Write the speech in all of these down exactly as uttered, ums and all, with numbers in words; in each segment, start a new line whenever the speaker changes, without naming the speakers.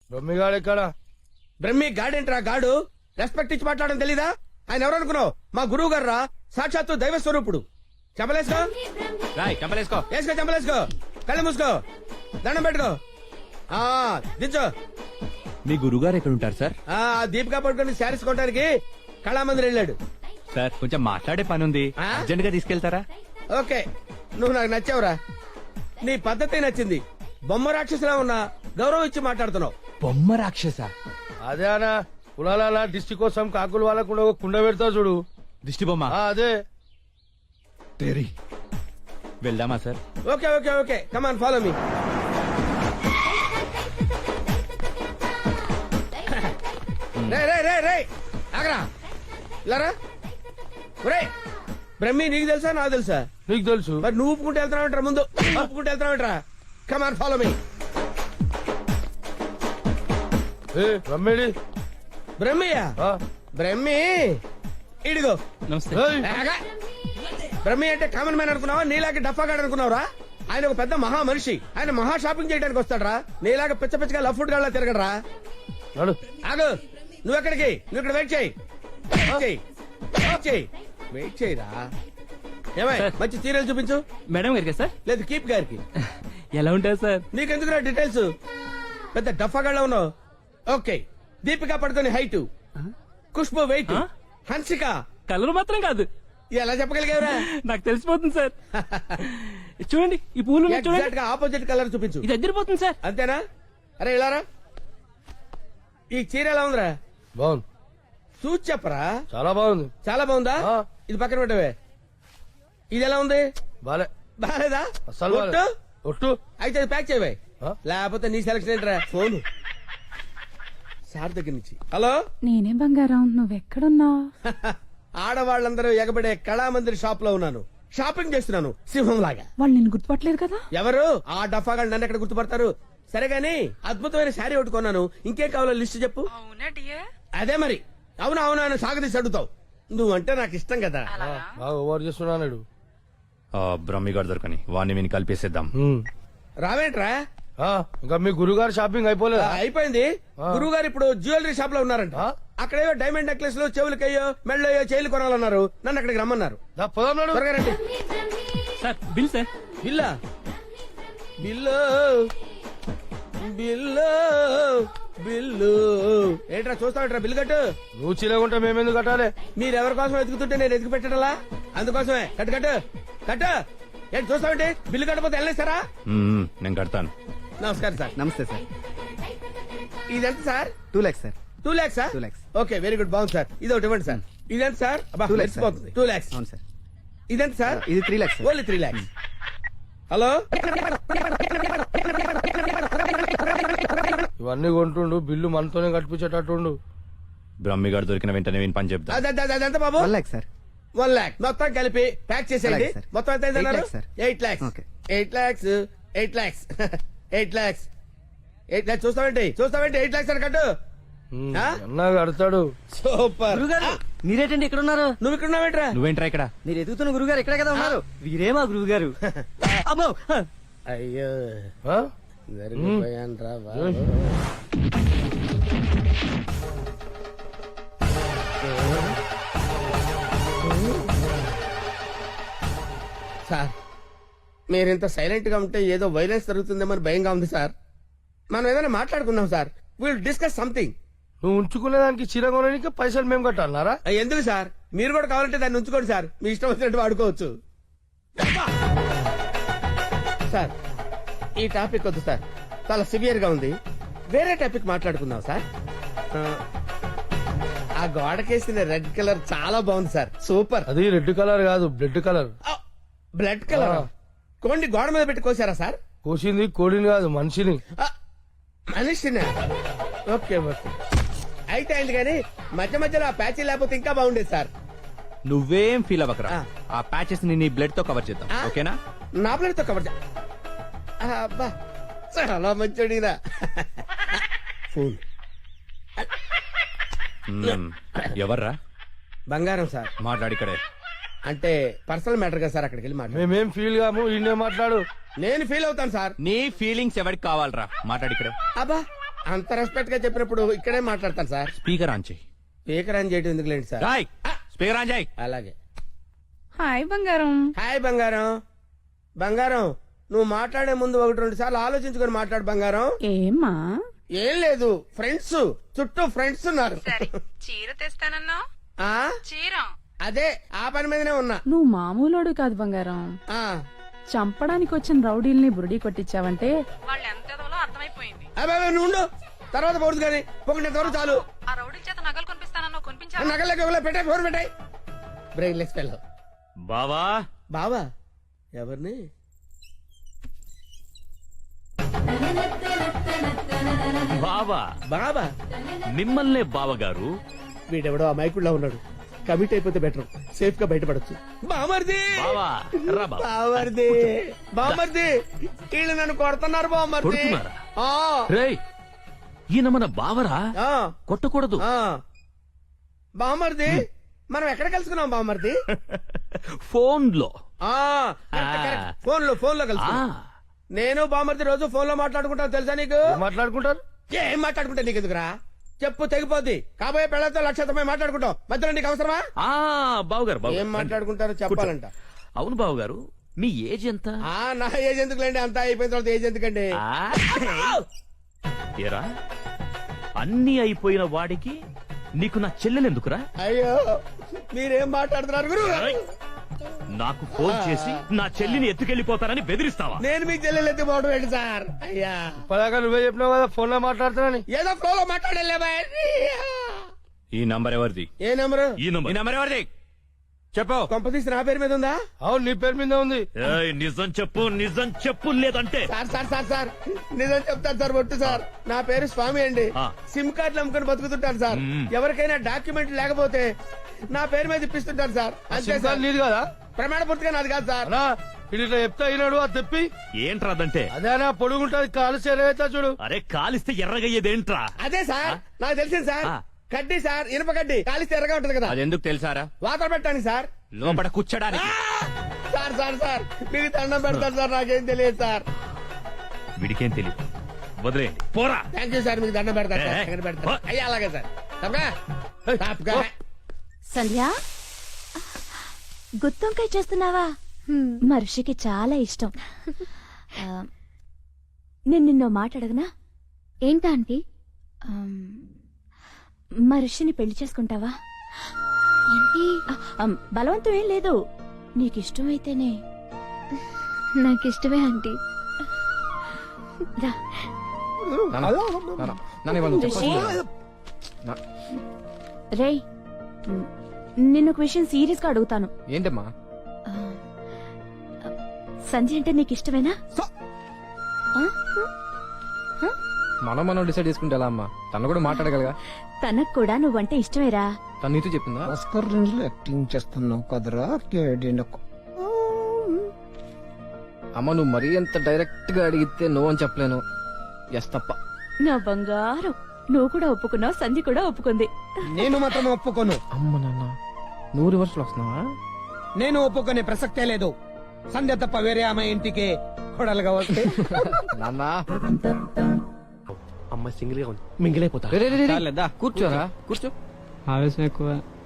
బ్రహ్మిగాడు ఎక్కడ?
బ్రహ్మి గాడేంట్రా గాడు? రెస్పెక్ట్ ఇచ్చి మాట్లాడడం తెలీదా? ఆయన ఎవరు అనుకున్నావు? మా గురువు గారు రా, సాక్షాత్తు దైవ స్వరూపుడు. చెప్పలేసుకో
రాయ్ చంపలేసుకో.
వేసుకో, చెప్పలేసుకో, కళ్ళు మూసుకో, దండం పెట్టుకో. ఆ దించో.
మీ గురుగారు ఎక్కడ ఉంటారు సార్?
ఆ దీపికా పట్టుకొని శారీస్ కొనడానికి కళామందిర్ వెళ్ళాడు.
సార్ కొంచెం మాట్లాడే పని ఉంది,
ఆ?
అర్జెంట్ గా తీసుకెళ్తారా?
ఓకే, నువ్వు నాకు నచ్చావురా. నీ పద్ధతి నచ్చింది. బొమ్మ రాక్షసులా ఉన్నా గౌరవం ఇచ్చి మాట్లాడుతున్నావు.
బొమ్మ రాక్షస?
అదే అనా కులాల దిష్టి కోసం కాకులు వాళ్ళకు ఒక కుండ పెడతా చూడు.
దిష్టి బొమ్మ?
ఆ, అదే.
తెరి వెళ్దామా sir?
Okay okay okay, come on follow me. రే రే రే రే ఆగరా, ఇలారా. ఒరే బ్రహ్మి, నీకు తెలుసా నాకు తెలుసా?
నీకు తెలుసు.
మరి నువ్వు ఊపుకుంటూ వెళ్తున్నావు ముందు, ఊపుకుంటూ వెళ్తున్నావు. Come on follow me.
ఏ బ్రహ్మేడి?
బ్రహ్మియా?
ఆ,
బ్రహ్మి ఇడిగో.
నమస్తే.
ఏయ్,
ఆగా. బ్రహ్మి అంటే కామన్ మ్యాన్ అనుకున్నావా? నీలాగా డఫాగాడు అనుకున్నావురా? ఆయన ఒక పెద్ద మహా మనిషి. ఆయన మహా షాపింగ్ చేయడానికి వస్తాడరా. నీలాగా పిచ్చ పిచ్చగా లఫ్ ఫుడ్ గా తిరగడరా.
నడు.
ఆగు, నువ్వెక్కడికి? నువ్వు ఇక్కడ వెయిట్ చేయి. వెయిట్ చేయి, వెయిట్ చేయి, వెయిట్ చేయరా. ఏమై మంచి సీరియల్ చూపించు.
మేడం గారికి సార్?
లేదు కీప్ గారికి.
ఎలా ఉంటారు సార్?
నీకెందుకు డీటెయిల్స్? పెద్ద డఫాగాళ్ళ ఉన్నావు. Okay, Deepika Padukone height, Khushbu weight, Hansika
colour మాత్రం కాదు.
ఎలా చెప్పగలిగావురా?
నాకు తెలిసిపోతుంది సార్. చూడండి ఈ పూలు ఉన్నాయి చూడండి.
ఎగ్జాక్ట్ గా ఆపోజిట్ కలర్ చూపించు.
ఇది అదిరిపోతుంది సార్.
అంతేనా? అరే ఇలారా. ఈ చీర ఎలా ఉందిరా?
బాగుంది.
చూసి చెప్పరా.
చాలా బాగుంది.
చాలా బాగుందా?
ఆ.
ఇది పక్కన పెట్టవే. ఇది ఎలా ఉంది?
బాలే.
బాలేదా?
అస్సలు బాలే.
ఒట్టు?
ఒట్టు.
అయితే అది ప్యాక్ చేయవే.
ఆ?
లేకపోతే నీ సెలక్షన్ ఏంట్రా? ఫోన్ సార్ దగ్గర నుంచి. హలో.
నేనే బంగారం, నువ్వెక్కడున్నావు?
ఆడవాళ్ళందరూ ఎగబడే కళామందిర్ షాప్ లో ఉన్నాను. షాపింగ్ చేస్తున్నాను సింహం లాగా.
వాళ్ళు నిన్ను గుర్తుపట్టలేదు కదా?
ఎవరు? ఆ డఫాగా నన్ను ఎక్కడ గుర్తుపడతారు? సరే గాని అద్భుతమైన శారీ ఒకటి కొన్నాను. ఇంకేం కావాలో లిస్ట్ చెప్పు. అదే మరి. అవునా అవునా అని సాగదీసి అడుగుతావు. నువ్వంటే నాకు ఇష్టం కదా.
బాగా ఓవర్ చేస్తున్నాడు.
బ్రహ్మిగాడు దొరకని వాడిని విని కలిపేసేద్దాం.
రావేంట్రా?
ఇంకా మీ గురుగారు షాపింగ్ అయిపోలేదా?
అయిపోయింది. గురువు గారు ఇప్పుడు జ్యువెలరీ షాప్ లో ఉన్నారంట.
ఆ?
అక్కడేవో డైమండ్ నెక్లెస్ లో చెవులకయ్యో మెళ్ళయో చేయలు కొనాలన్నారు. నన్ను అక్కడికి రమ్మన్నారు.
దా, పోదాం నాడు.
త్వరగా రండి.
Sir bill sir.
బిల్లా? బిల్లు బిల్లు బిల్లు ఏంట్రా చూస్తావుట్రా? బిల్లు కట్టు.
నువ్వు చీలకుంటే మేమెందుకు కట్టాలి?
మీరెవరి కోసం వెతుకుతుంటే నేను ఎతికి పెట్టడలా? అందుకోసమే. కట్టు కట్టు కట్టు. ఏంటి చూస్తావంటే? బిల్లు కట్టపోతే వెళ్ళేస్తారా?
మ్మ్, నేను కడతాను.
నమస్కారం సార్.
నమస్తే సార్.
ఇదెంత sir?
Two lakhs sir.
Two lakhs
two lakhs.
Okay, very good, బాగుంది సార్. ఇది ఒకటి ఇవ్వండి సార్. ఇదెంత sir?
Two lakhs sir.
Two lakhs.
అవును సార్.
ఇదెంత సార్?
ఇది three lakhs.
Only three lakhs. Hello.
ఇవన్నీ కొంటుండు, బిల్లు మనతోనే కట్టించేటట్టుండు.
బ్రహ్మిగాడు దొరికిన వెంటనే విని పని చెప్తా.
అద- అద- అదెంత బాబు?
One lakh sir.
One lakh మొత్తం కలిపి ప్యాక్ చేసేయండి.
అలాగే సార్.
మొత్తం ఎంత అయింది
ఎయిట్
అన్నారు?
Lakhs sir.
Eight lakhs.
Okay.
Eight lakhs eight lakhs eight lakhs eight lakhs. చూస్తావేంటి చూస్తావేంటి? ఎయిట్ ల్యాక్స్ అని కట్టు.
ఉమ్,
ఆ?
అన్నా కడతాడు.
సూపర్.
గురుగారు మీరేటండి ఇక్కడ ఉన్నారు?
నువ్వు ఇక్కడ ఉన్నావేంట్రా?
నువ్వేంట్రా ఇక్కడ?
మీరు ఎదుగుతున్న గురుగారు ఇక్కడే కదా ఉన్నారు. వీరే మా గురువు గారు. అమ్మో.
అయ్యో
ఆ?
జరిగిపోయాన్రా బాబు. సార్, మీరింత సైలెంట్ గా ఉంటే ఏదో వైలెన్స్ జరుగుతుందేమని భయంగా ఉంది సార్. మనం ఏదైనా మాట్లాడుకుందాం సార్. Will discuss something.
నువ్వు ఉంచుకునే దానికి చీర కొనడానికి పైసలు మేము కట్టాలన్నారా?
ఎందుకు సార్? మీరు కూడా కావాలంటే దాన్ని ఉంచుకోండి సార్. మీ ఇష్టం వచ్చినట్టు వాడుకోవచ్చు సార్. ఈ టాపిక్ వద్దు సార్, చాలా సివియర్ గా ఉంది. వేరే టాపిక్ మాట్లాడుకుందాం సార్. ఆ, ఆ గోడకేసిన రెడ్ కలర్ చాలా బాగుంది సార్. సూపర్.
అది రెడ్ కలర్ కాదు, బ్లడ్ కలర్.
Blood colour.
ఆ.
కోండి గోడ మీద పెట్టి కోసారా సార్?
కోసింది కోడిని కాదు, మనిషిని.
ఆ, మనిషినా? ఓకే ఓకే, అయితే అయింది. కానీ మధ్య మధ్యలో ఆ ప్యాచీ లేకపోతే ఇంకా బాగుండేది సార్.
నువ్వేం ఫీల్ అవ్వకరా.
ఆ.
ఆ ప్యాచెస్ ని నీ బ్లడ్ తో కవర్ చేద్దాం,
ఆ?
ఓకేనా?
నా ప్లేట్తో కవర్ చే- ఆ, అబ్బా చాలా మంచోడినా. ఫోన్
మ్మ్. ఎవర్రా?
బంగారం సార్.
మాట్లాడిక్కడే.
అంటే పర్సనల్ మ్యాటర్ కదా సార్. అక్కడికి వెళ్ళి మాట్లాడు.
మేమేం ఫీల్ కాము, ఈయనే మాట్లాడు.
నేను ఫీల్ అవుతాను సార్.
నీ ఫీలింగ్స్ ఎవరికి కావాలరా? మాట్లాడిక్కడే.
అబ్బా అంత రెస్పెక్ట్ గా చెప్పినప్పుడు ఇక్కడే మాట్లాడతాను సార్.
స్పీకర్ ఆన్ చేయి.
స్పీకర్ అని చేయడం ఎందుకులేండి సార్.
రాయ్ స్పీకర్ ఆన్ చేయి.
అలాగే.
హాయ్ బంగారం.
హాయ్ బంగారం. బంగారం నువ్వు మాట్లాడే ముందు ఒకటి రెండు సార్లు ఆలోచించుకొని మాట్లాడు బంగారం.
ఏమ్మా?
ఏం లేదు, ఫ్రెండ్స్ చుట్టూ ఫ్రెండ్స్ ఉన్నారు.
చీర తెస్తానన్నా?
ఆ
చీర
అదే ఆ పని మీదనే ఉన్నా.
నువ్వు మామూలోడు కాదు బంగారం.
ఆ
చంపడానికి వచ్చిన రౌడీల్ని బురుడి కొట్టించావంటే వాళ్ళు ఎంత అర్థమైపోయింది.
అబ్బాయి నువ్వు ఉండు, తర్వాత పోదు కానీ పొగినంత వరకు చాలు.
ఆ రౌడీ చేత నగలు కొనిపిస్తానన్నా కొనిపించా?
నగలకి పెట్టాయి, ఫోన్ పెట్టాయి. Brainless fellow.
బావా
బావా ఎవరిని?
బావా
బాబా
మిమ్మల్నే బావగారు.
వీడెవడో ఆ మైకుల్లో ఉన్నాడు. కమిట్ అయిపోతే బెటర్, సేఫ్ గా బయటపడచ్చు. బామర్ది
బావా రా బావా.
బామర్ది బామర్ది వీళ్ళు నన్ను కొడుతున్నారు బామర్ది.
కొడుతున్నారా?
ఆ,
రేయ్ ఈయన మన బావరా,
ఆ,
కొట్టకూడదు.
ఆ. బామర్ది మనం ఎక్కడ కలుసుకున్నాం బామర్ది?
ఫోన్ లో.
ఆ, కరెక్ట్, కరెక్ట్. ఫోన్ లో ఫోన్ లో
ఆ,
కలుసు. నేను బామర్ది రోజు ఫోన్ లో మాట్లాడుకుంటాను తెలుసా నీకు?
ఏం మాట్లాడుకుంటారు?
ఏం మాట్లాడుకుంటా నీకు ఎందుకురా? చెప్పు తెగిపోద్ది. కాబోయే పెళ్లతో లక్షతమై మాట్లాడుకుంటాం, మధ్యలో నీకు అవసరమా?
ఆ, బావగారు బావగారు,
ఏం
రండి.
మాట్లాడుకుంటారో చెప్పాలంట.
అవును బావగారు, మీ ఏజ్ ఎంత?
ఆ నా ఏజ్ ఎందుకులేండి, అంతా అయిపోయిన తర్వాత ఏజ్ ఎందుకండి?
ఆ, ఏరా అన్ని అయిపోయిన వాడికి నీకు నా చెల్లెలెందుకురా?
అయ్యో మీరేం మాట్లాడుతున్నారు గురు?
నాకు ఫోన్ చేసి నా చెల్లిని ఎత్తుకెళ్లిపోతానని బెదిరిస్తావా?
నేను మీకు చెల్లెలు ఎత్తిపోవడం ఏంటి సార్? అయ్యా
పదాక నువ్వే చెప్పినావు కదా ఫోన్ లో మాట్లాడుతానని.
ఏదో ఫ్లో లో మాట్లాడలే.
ఈ నంబర్ ఎవరిది?
ఏ నెంబరు?
ఈ నంబర్ ఈ నంబర్ ఎవరిది చెప్పు.
కొంపతీసి నా పేరు మీద ఉందా?
అవును నీ పేరు మీద ఉంది.
ఏయ్, నిజం చెప్పు, నిజం చెప్పు, లేదంటే
సార్ సార్ సార్ సార్ నిజం చెప్తాను సార్, ఒట్టు సార్. నా పేరు స్వామి అండి.
ఆ.
సిమ్ కార్డులు అమ్ముకొని బతుకుతుంటాను సార్.
మ్మ్.
ఎవరికైనా డాక్యుమెంట్ లేకపోతే నా పేరు మీద ఇప్పిస్తుంటాను సార్. అంతే
సిమ్
సార్.
కార్డు నీది కదా?
ప్రమాణ పూర్తిగా నాది కాదు సార్.
అనా ఇది ఇట్లా చెప్తా అయినాడు అది తెప్పి.
ఏంట్రాదంటే?
అదేనా పొడుగుంటది కాలు చేరవేస్తా చూడు.
అరే కాలిస్తే ఎర్రగయ్యేదేంట్రా?
అదే సార్ నాకు తెలిసింది సార్.
ఆ.
కడ్డీ సార్, ఇనుప కడ్డీ కాలిస్తే ఎర్రగా ఉంటది కదా,
అదెందుకు తెలుసారా?
వాతలు పెట్టాను సార్.
లోపల కూర్చోడానికి.
సార్ సార్ సార్ మీకు దండం పెడతాను సార్, నాకేం తెలియదు సార్.
వీడికేం తెలియదు, వదిలేయండి పోరా.
థ్యాంక్ యూ సార్, మీకు దండం పెడతాను సార్.
ఏ,
ఎక్కడ పెడతాను?
ఓ.
అయ్యా అలాగే సార్. తప్పగా? తప్పగా.
సంధ్య గుత్తొంకాయ చేస్తున్నావా? మనిషికి చాలా ఇష్టం. ఆ, నేను నిన్నో మాట అడగనా? ఏంటా ఆంటీ? మనిషిని పెళ్లి చేసుకుంటావా? ఏంటి? బలవంతం ఏం లేదు, నీకిష్టమైతేనే. నాకిష్టమే ఆంటీ. రా. రేయ్ నిన్న ఒక విషయం సీరియస్ గా అడుగుతాను.
ఏంటమ్మా?
ఆ, సంధ్య అంటే నీకు ఇష్టమేనా? ఆ? ఆ?
మనం మనం డిసైడ్ చేసుకుంటే ఎలా అమ్మా? తను కూడా మాట్లాడగలగా?
తనకు కూడా నువ్వంటే ఇష్టమేరా?
తను నీతో చెప్పిందా?
ఆస్కర్ రేంజ్ లో యాక్టింగ్ చేస్తున్నావు కదరా కేడినకు.
అమ్మ నువ్వు మరీ ఎంత డైరెక్ట్ గా అడిగితే నో అని చెప్పలేను. ఎస్ తప్ప.
నా బంగారం, నువ్వు కూడా ఒప్పుకున్నావు, సంధ్య కూడా ఒప్పుకుంది.
నేను మాత్రం ఒప్పుకోను.
అమ్మ నాన్న నువ్వు రివర్స్ లో వస్తున్నావా?
నేను ఒప్పుకునే ప్రసక్తే లేదు. సంధ్య తప్ప వేరే ఆమె ఇంటికి కొడలుగా వస్తే
నాన్న
అమ్మాయి సింగిల్ గా ఉంది, మింగిల్ అయిపోతా.
రే, రే, రే, రే. కూర్చోరా కూర్చో.
ఆవేశం ఎక్కువ.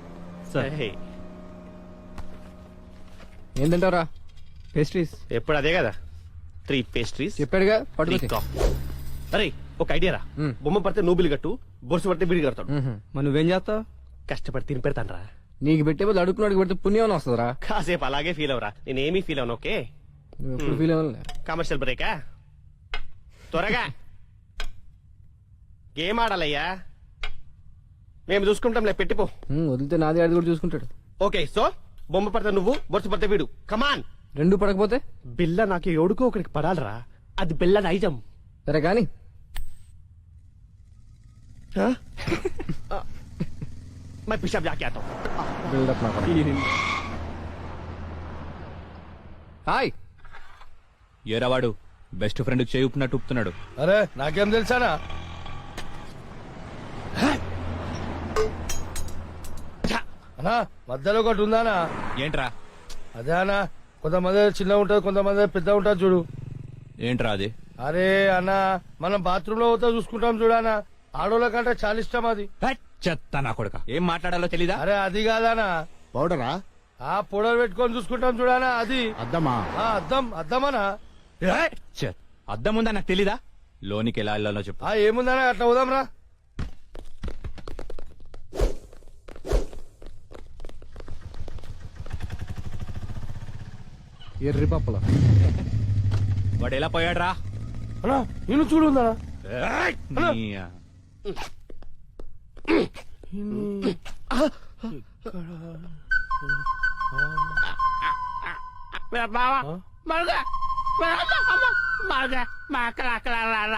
ఏం తింటావురా?
పేస్ట్రీస్ ఎప్పుడు అదే కదా, త్రీ పేస్ట్రీస్.
చెప్పాడుగా పట్టుకో.
అరే ఒక ఐడియా రా,
మ్.
బొమ్మ పడితే నువ్వు బిల్లు కట్టు, బొరుసు పడితే బిల్లు కడతాడు.
మ్హూ.
మరి నువ్వేం చేస్తావు? కష్టపడి తిని పెడతాను రా.
నీకు పెట్టే బదులు అడుగుకున్నాడు పెడితే పుణ్యం వస్తుందిరా.
కాసేపు అలాగే ఫీల్ అవరా, నేనేమీ ఫీల్ అవను. ఓకే
నువ్వు ఎప్పుడు ఫీల్ అవ్వలే.
కమర్షియల్ బ్రేకా? త్వరగా గేమ్ ఆడాలయ్యా, మేము చూసుకుంటాంలే, పెట్టిపో.
ఉమ్, వదిలితే నాది ఆడి కూడా చూసుకుంటాడు.
ఓకే సో బొమ్మ పడితే నువ్వు, బొరుసు పడితే వీడు. కమాన్.
రెండు పడకపోతే
బిల్ల నాకు ఎవడుకో ఒకరికి పడాలరా, అది బిల్ల నైజం.
సరే కానీ
मैं पिशाब जाके आता हूँ.
బిల్డప్ నాకు. హాయ్.
ఏరావాడు బెస్ట్ ఫ్రెండ్ చేయి ఉప్పినట్టు ఉప్పుతున్నాడు.
అరే నాకేం తెలుసానా? అనా మధ్యలో ఒకటి ఉందానా?
ఏంట్రా?
అదే అనా, కొంతమంది చిన్న ఉంటది, కొంతమంది పెద్ద ఉంటది చూడు.
ఏంట్రా అది?
అరే అన్న మనం బాత్రూమ్ లో పోతా చూసుకుంటాం చూడానా ఆడోళ్ళ కంటే చాలా ఇష్టం అది.
హట్, చెత్త నా కొడుక ఏం మాట్లాడాలో తెలీదా?
అరే అది కాదానా
పౌడరా
ఆ పొడలు పెట్టుకొని చూసుకుంటాం చూడానా అది.
అద్దమా
ఆ అద్దం అద్దమనా
హట్, చెత్త. అద్దం ఉందా నాకు తెలీదా? లోనికి ఎలా వెళ్ళాలో చెప్పు.
ఆ ఏముందనా అట్లా పోదాం రా.
ఎర్రి పప్పల
వాడు ఎలా పోయాడు రా?
అన్నా నేను చూడుందా
బావా మరుగా మరుగా మా అక్కడ అక్కడ